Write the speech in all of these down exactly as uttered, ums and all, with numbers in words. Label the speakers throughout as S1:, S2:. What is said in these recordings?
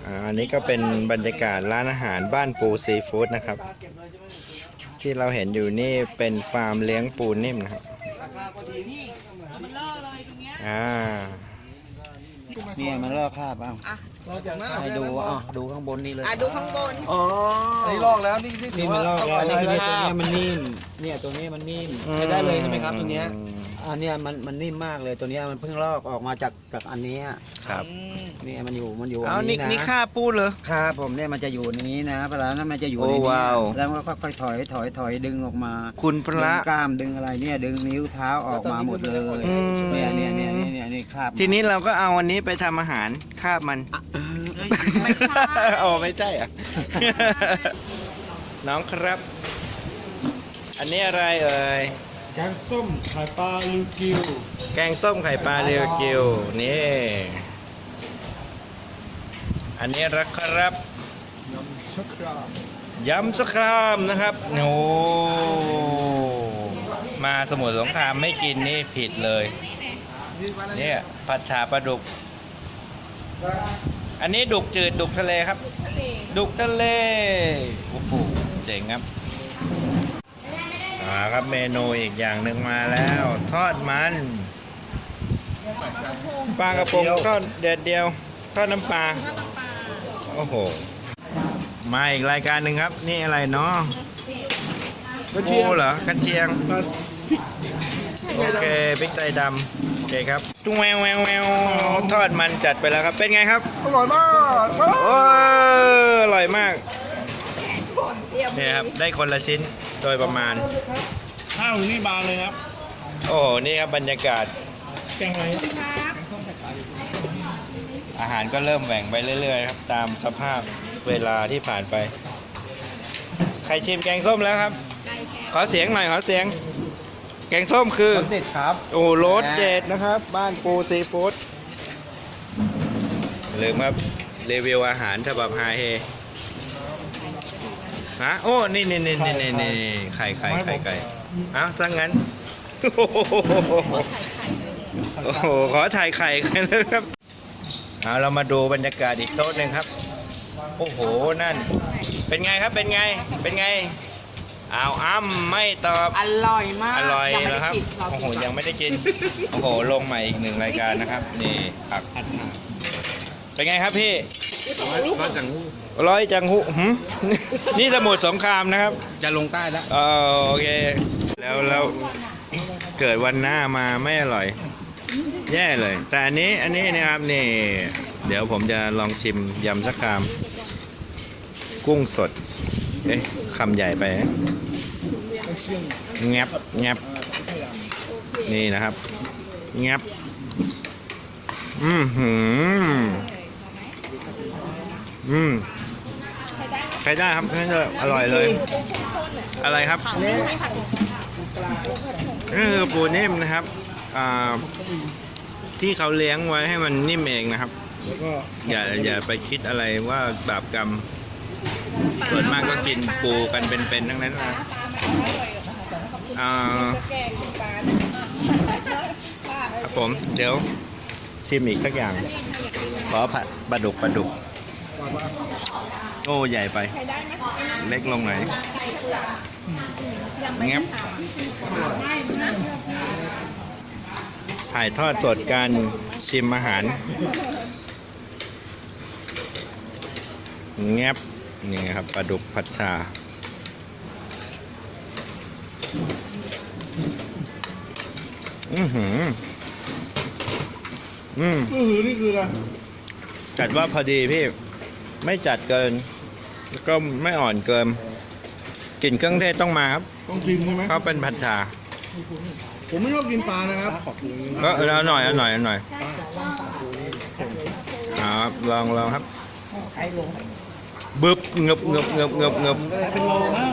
S1: อันนี้ก็เป็นบรรยากาศร้านอาหารบ้านปูซีฟู้ดนะครับที่เราเห็นอยู่นี่เป็นฟาร์มเลี้ยงปูนิ่มนะครับอ่า
S2: เนี่ยมันลอกคราบบ้างให้ดูอ่ะดูข้างบนนี่เลย
S3: อ่ะดูข้างบน
S2: อ๋อ
S4: อันนี้ลอกแล้วนี่นี่
S2: นี่มันลอกแล้วนี่คือตัวนี้มันนิ่มเนี่ยตัวนี้มันนิ่ม
S4: ใช้ได้เลยใช่ไหมครับตัวเนี้ย
S2: อันเนี้ยมันมันนิ่มมากเลยตัวเนี้ยมันเพิ่งลอกออกมาจากจากอันนี้
S1: ครับ
S2: เนี่ยมันอยู่มันอยู่
S1: เอา
S2: อัน
S1: นี่
S2: นี้นะ
S1: นี่ค่าปูเหรอ
S2: ครับผมเนี่ยมันจะอยู่ในนี้นะเวลานั้นมันจะอยู่ใน
S1: โอ้
S2: นี้
S1: ว้าว
S2: แล้วมันก็ค่อยๆถอยถอยถอยดึงออกมา
S1: คุณพ
S2: ดึ
S1: ระ
S2: งกล้ามดึงอะไรเนี่ยดึงนิ้วเท้าออกมาหมดเลย
S1: อืม
S2: เนี่ยเนี่ยเนี่ยเนี่ยเนี่ยนี่คราบ
S1: ทีนี้เราก็เอาอันนี้ไปทำอาหารคาบมัน
S3: ไม่ใช่
S1: โอ้ไม่ใช่อ่ะ น้องครับ อันนี้อะไรเอ่ย
S4: แกงส้มไข่ปลาลิวกิว
S1: แกงส้มไข่ปลาเรียวกิวนี่ อันนี้รักครับ
S4: ยำชักราม
S1: ยำสครามนะครับโอ้มาสมุทรสงครามไม่กินนี่ผิดเลยเนี่ยผัดฉาปลาดุก อันนี้ดุกจืดดุกทะเลครับ ดุกทะเลโอ้โหเจ๋งครับอ่าครับเมนูอีกอย่างหนึ่งมาแล้ว ทอดมันปลากระพงทอดเด็ดเดียวทอดน้ำปลาโอ้โหมาอีกรายการหนึ่งครับ นี่อะไรเนาะ
S4: กระเทียม
S1: โอ้เหรอกันเชียง
S4: พริก
S1: โอเคพริกไทยดำโอเคครับตุ้งแววแววแววทอดมันจัดไปแล้วครับเป็นไงครับ
S4: อร่อยมาก
S1: โอ้อร่อยมากนี่ครับได้คนละชิ้นโดยประมาณ
S4: ข้าวนี่บางเลยครับ
S1: โอ้โหนี่ครับบรรยากาศ
S4: แกงอะไร
S1: อาหารก็เริ่มแหว่งไปเรื่อยๆครับตามสภาพเวลาที่ผ่านไปใครชิมแกงส้มแล้วครับ ขอเสียงหน่อยขอเสียง แกงส้มคือ
S4: รสเด็ดครับ
S1: โอ้รสเด็ดนะครับ บ้านปูซีฟู้ดลืมครับรีวิวอาหารฉบับไฮเฮฮะโอ้นี่นี่นี่นี่นี่นี่ไข่ไข่ไข่ไก่เอ้าจังงั้นโอ้โหขอถ่ายไข่กันเลยครับเอาเรามาดูบรรยากาศอีกโต๊ะหนึ่งครับโอ้โหนั่นเป็นไงครับเป็นไงเป็นไงอ้าวอ้ำไม่ตอบ
S3: อร่อยมาก
S1: อร่อย
S3: งไม่
S1: แล้
S3: ได้
S1: วครับ
S3: กินเรา
S1: โอ้โห
S3: กินก่อน
S1: ยังไม่ได้กินโอ้โหลงใหม่อีกหนึ่งรายการนะครับนี่ผักเป็นไงครับพี่ร้อยจังหูร้อยจังหูหืมนี่สมุทรสงครามนะครับจะลงใต้แล้วเออโอเคแล้วแล้วเกิดวันหน้ามาไม่อร่อยแย่เลย แต่อันนี้อันนี้นะครับนี่เดี๋ยวผมจะลองชิมยำสักคำกุ้งสดเอ๊ะคำใหญ่ไปแงบแงบนี่นะครับแงบอืมหืมอืมใช้ได้ครับใช้ได้อร่อยเลย อะไรครับนี่คือปูนิ่มนะครับอ่าที่เขาเลี้ยงไว้ให้มันนิ่มเองนะครับ
S4: แล้วก็
S1: อย่าอย่าไปคิดอะไรว่าบาปกรรมส่วนมากก็กินปูกันเป็นๆทั้งนั้นนะอ่าครับผมเดี๋ยวชิมอีกสักอย่างขอผัดปลาดุกปลาดุกโอ้ใหญ่ไปเล็กลงหน่อยเงี้ยถ่ายทอดสดการชิมอาหารแงบนี่ครับปลาดุกผัดชาอือหืออืม
S4: อื้อหือนี่คืออะไร
S1: จัดว่าพอดีพี่ไม่จัดเกินแล้วก็ไม่อ่อนเกินกลิ่นเครื่องเทศต้องมาครับ
S4: ต้องกินใช่ไหม
S1: เพราะเป็นผัดชา
S4: ผมไม่ชอบกินปลานะครับ
S1: ก็เอาหน่อยเอาหน่อยเอาหน่อยเอาครับลองลองครับบึบเงบเงบเงบเงบเงบ
S4: เป็นโลนะ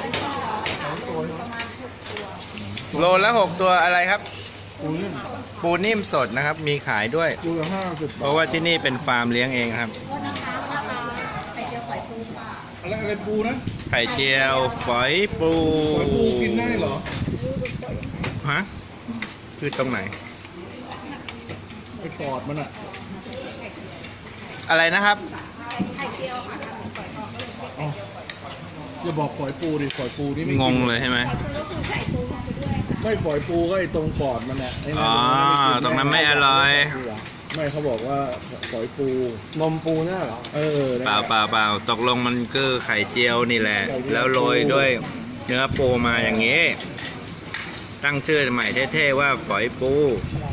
S1: โลละหกตัวอะไรครับ
S4: ปูนี่
S1: ปูนิ่มสดนะครับ มีขายด้วย
S4: ปูละห้าสิบ
S1: เพราะว่าที่นี่เป็นฟาร์มเลี้ยงเองครับ
S4: อะไรอะไรปูนะ
S1: ไข่เจียวฝอยปู
S4: ปล่อยปูกินได้เหรอ
S1: ฮะคือตรงไหน
S4: ไปกอดมันอ่ะ
S1: อะไรนะครับ
S3: ไ
S4: อย่าบอกฝอยปูดิฝอยปูนี่ไม่
S1: ง
S4: กิ
S1: ง
S4: น
S1: เลยใช่ไหม
S4: ไม่ฝอยปูก็ไอ้ตรงปอดมันแหละไอ้
S1: อ๋อตรงนั้นไม่อร่อย
S4: ไม่เขาบอกว่าฝอยปูนมปูน่ะเหรอเออ
S1: เปล่าเปล่าเปล่าตกลงมันคือไข่เจียวนี่แหละ แล้วโรยด้วยเนื้อปูมาอย่างนี้ ตั้งชื่อใหม่เท่ๆว่าฝอยปู
S4: ใช่